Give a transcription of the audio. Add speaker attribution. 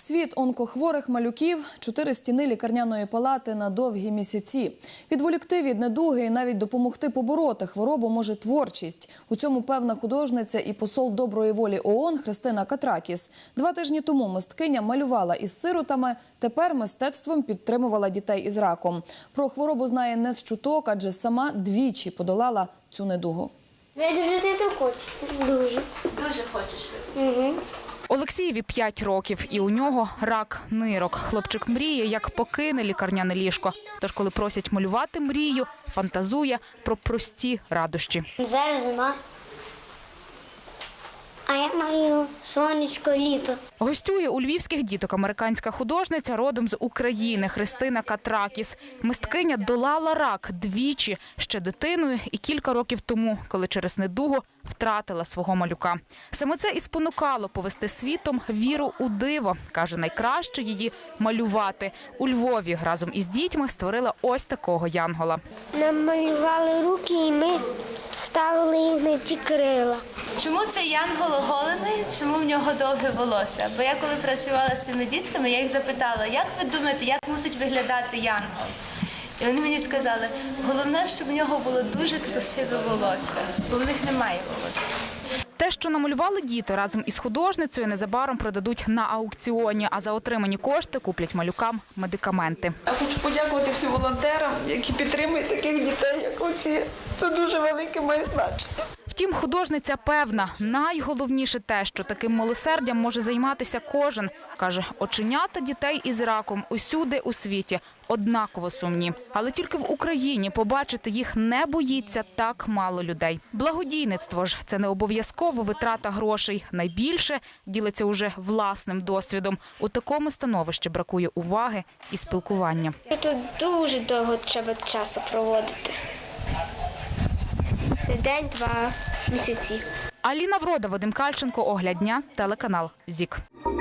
Speaker 1: Світ онкохворих малюків, 4 стіни лікарняної палати на довгі місяці. Відволікти від недуги і навіть допомогти побороти хворобу може творчість. У цьому певна художниця і посол доброї волі ООН Христина Катракіс. 2 тижні тому мисткиня малювала із сиротами, тепер мистецтвом підтримувала дітей із раком. Про хворобу знає не з чуток, адже сама двічі подолала цю недугу.
Speaker 2: Ви дуже не хочете? Дуже.
Speaker 3: Дуже хочеш?
Speaker 2: Угу.
Speaker 4: Олексієві 5 років, і у нього рак нирок. Хлопчик мріє, як покине лікарняне ліжко. Тож, коли просять малювати мрію, фантазує про прості радощі.
Speaker 2: Зараз зима. А я маю сонечко, літо.
Speaker 4: Гостює у львівських діток американська художниця родом з України Христина Катракіс. Мисткиня долала рак двічі, ще дитиною і кілька років тому, коли через недугу втратила свого малюка. Саме це і спонукало повести світом віру у диво. Каже, найкраще її малювати. У Львові разом із дітьми створила ось такого янгола.
Speaker 2: Нам малювали руки і ми ставили їх на ті крила.
Speaker 3: Чому цей янгол оголений? Чому в нього довге волосся? Бо я коли працювала з цими дітками, я їх запитала, як ви думаєте, як мусить виглядати янгол? І вони мені сказали, головне, щоб в нього було дуже красиве волосся, бо в них немає волосся.
Speaker 4: Те, що намалювали діти разом із художницею, незабаром продадуть на аукціоні, а за отримані кошти куплять малюкам медикаменти.
Speaker 5: Я хочу подякувати всім волонтерам, які підтримують таких дітей, як оці. Це дуже велике має значення.
Speaker 4: Втім, художниця певна, найголовніше те, що таким милосердям може займатися кожен. Каже, оченята дітей із раком усюди у світі однаково сумні. Але тільки в Україні побачити їх не боїться так мало людей. Благодійництво ж – це не обов'язково витрата грошей. Найбільше ділиться уже власним досвідом. У такому становищі бракує уваги і спілкування.
Speaker 2: Тут дуже довго треба часу проводити. День-два місяці.
Speaker 4: Аліна Врода, Вадим Кальченко, Огляд дня, телеканал ЗІК.